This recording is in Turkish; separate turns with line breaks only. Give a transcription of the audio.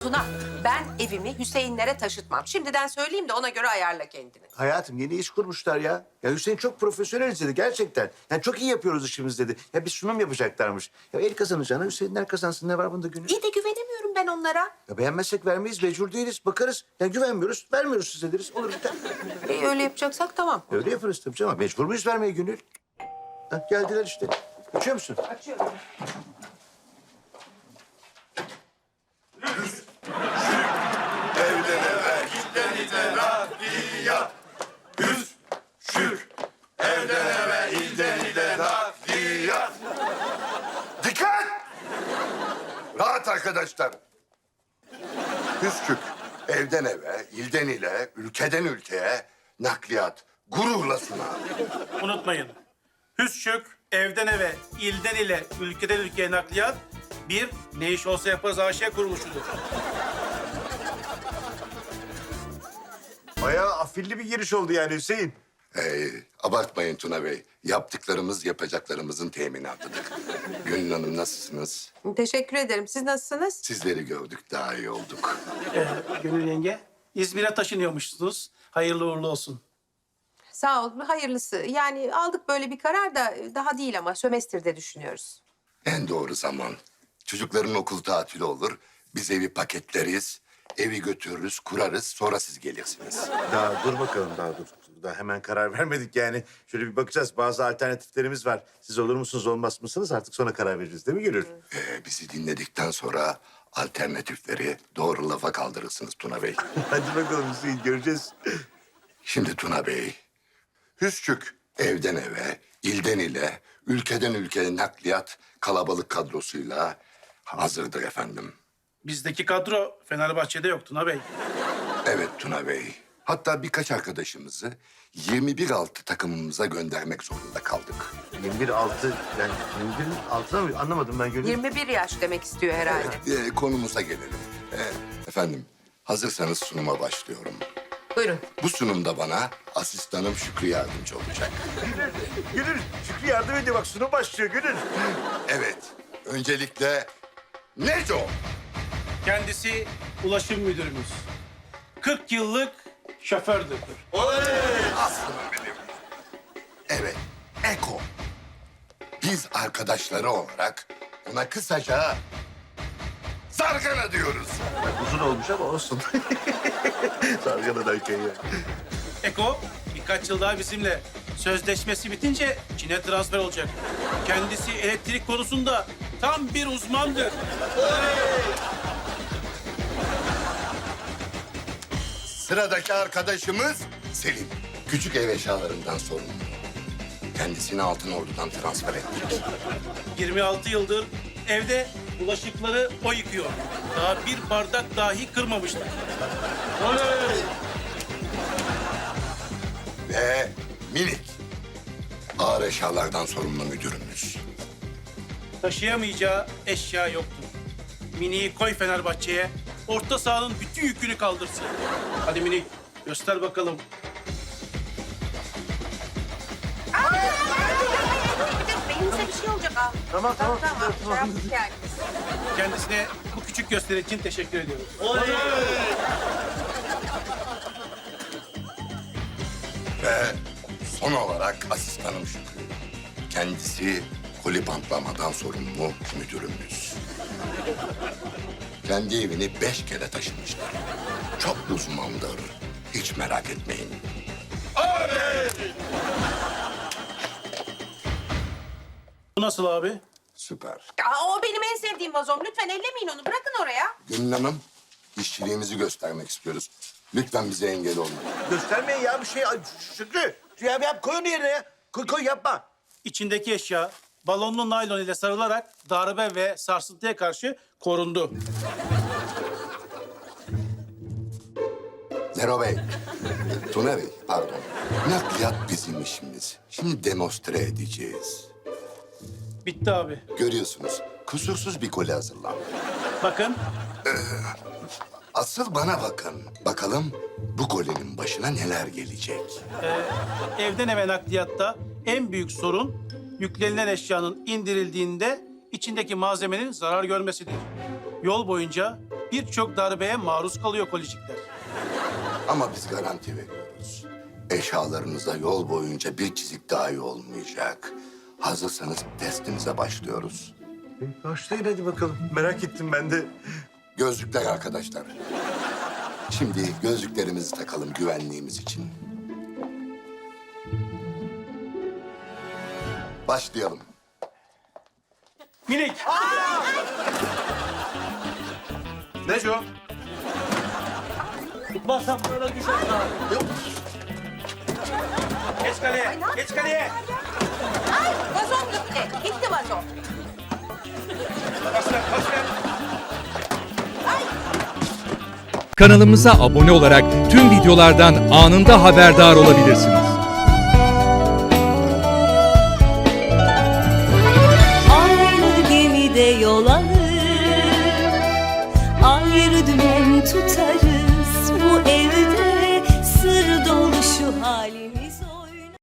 Tuna, ben evimi Hüseyinlere taşıtmam. Şimdiden söyleyeyim de ona göre ayarla kendini.
Hayatım yeni iş kurmuşlar ya. Ya Hüseyin çok profesyonel dedi gerçekten. Yani çok iyi yapıyoruz işimiz dedi. Ya bir sunum yapacaklarmış. Ya el kazanacağına Hüseyinler kazansın, ne var bunda Gönül?
İyi de güvenemiyorum ben onlara.
Ya beğenmezsek vermeyiz, mecbur değiliz. Bakarız. Ya güvenmiyoruz, vermiyoruz size deriz. Olur biter.
Öyle yapacaksak tamam.
Öyle yaparız tabii canım. Mecbur muyuz vermeye Gönül? Ha, geldiler işte. Açıyor musun?
Açıyorum.
Dikkat! Rahat arkadaşlar. Küskük, evden eve, ilden ile, ülkeden ülkeye nakliyat gururla sunar.
Unutmayın. Hüsçük, evden eve, ilden ile, ülkeden ülkeye nakliyat bir ne iş olsa yaparız AŞ kuruluşudur.
Bayağı afilli bir giriş oldu yani Hüseyin.
Abartmayın Tuna Bey. Yaptıklarımız yapacaklarımızın teminatıdır. Gönül Hanım nasılsınız?
Teşekkür ederim. Siz nasılsınız?
Sizleri gördük, daha iyi olduk.
Gönül yenge, İzmir'e taşınıyormuşsunuz. Hayırlı uğurlu olsun.
Sağ ol. Hayırlısı. Yani aldık böyle bir karar da daha değil ama sömestrde düşünüyoruz.
En doğru zaman. Çocukların okul tatili olur. Biz evi paketleriz. Evi götürürüz, kurarız. Sonra siz gelirsiniz.
Daha dur bakalım, daha dur. Daha hemen karar vermedik yani. Şöyle bir bakacağız. Bazı alternatiflerimiz var. Siz olur musunuz, olmaz mısınız? Artık sonra karar vereceğiz değil mi Gönül?
Bizi dinledikten sonra alternatifleri doğru lafa kaldırırsınız Tuna Bey.
Hadi bakalım Hüseyin, göreceğiz.
Şimdi Tuna Bey, Hüsçük evden eve, ilden ile, ülkeden ülkeye nakliyat kalabalık kadrosuyla hazırdır efendim.
Bizdeki kadro Fenerbahçe'de yok Tuna Bey.
Evet Tuna Bey. Hatta birkaç arkadaşımızı 21 altı takımımıza göndermek zorunda kaldık.
21 yani 21'in altına mı? Anlamadım ben Gönül.
21 yaş demek istiyor herhalde.
Konumuza gelelim. Efendim, hazırsanız sunuma başlıyorum.
Buyurun.
Bu sunumda bana asistanım Şükrü yardımcı olacak.
Gönül, Şükrü yardım ediyor. Bak sunum başlıyor Gönül.
Evet, öncelikle Neco.
Kendisi ulaşım müdürümüz. 40 yıllık şofördür.
Aslında benim. Evet, Eko. Biz arkadaşları olarak ona kısaca Zargana diyoruz.
Uzun olmuş ama olsun. Sarganadan kayıyor.
Eko birkaç yıl daha bizimle. Sözleşmesi bitince Çin'e transfer olacak. Kendisi elektrik konusunda tam bir uzmandır.
Sıradaki arkadaşımız Selim. Küçük ev eşyalarından sorumlu. Kendisini Altınordu'dan transfer ettik.
26 yıldır evde bulaşıkları o yıkıyor. Daha bir bardak dahi kırmamışlar.
Ve Minik. Ağır eşyalardan sorumlu müdürümüz.
Taşıyamayacağı eşya yoktur. Mini'yi koy Fenerbahçe'ye. Orta sahanın bütün yükünü kaldırsın. Hadi Mini göster bakalım.
Beyninize bir şey olacak ha.
Tamam.
Tamam. Şey yaptık yani.
Kendisine bu küçük gösteri için teşekkür ediyoruz.
Ve son olarak asistanım Şükrü. Kendisi koli bantlamadan sorumlu müdürümüz. Kendi evini 5 kere taşımışlar. Çok uzmandır. Hiç merak etmeyin.
Bu nasıl abi?
Süper.
O benim en sevdiğim vazom. Lütfen ellemeyin onu. Bırakın oraya.
Gönül Hanım, işçiliğimizi göstermek istiyoruz. Lütfen bize engel olmayın.
Göstermeyin ya bir şey. Ay, Şükrü. Ya koy onu yerine ya. Koy yapma.
İçindeki eşya balonlu naylon ile sarılarak darbe ve sarsıntıya karşı korundu.
Zero Bey, Tuna Bey, pardon. Nakliyat bizim işimiz. Şimdi demonstre edeceğiz.
Bitti abi.
Görüyorsunuz, kusursuz bir koli hazırlandı.
Bakın
Asıl bana bakın. Bakalım bu kolinin başına neler gelecek.
evden eve nakliyatta en büyük sorun yüklenilen eşyanın indirildiğinde içindeki malzemenin zarar görmesidir. Yol boyunca birçok darbeye maruz kalıyor kolicikler.
Ama biz garanti veriyoruz. Eşyalarınıza yol boyunca bir çizik dahi olmayacak. Hazırsanız testimize başlıyoruz.
Başlayın hadi bakalım. Merak ettim ben de.
Gözlükler arkadaşlar. Şimdi gözlüklerimizi takalım güvenliğimiz için. Başlayalım.
Minik!
Neco?
Tutmazsam böyle düşer. Geç kaleye, geç kaleye.
Ay vazom gitti. Gitti vazom.
Pas ver, pas ver.
Kanalımıza abone olarak tüm videolardan anında haberdar olabilirsiniz.
Aynı gemide yol alır, ayrı dümen tutarız. Bu evde sır dolu şu halimiz olur.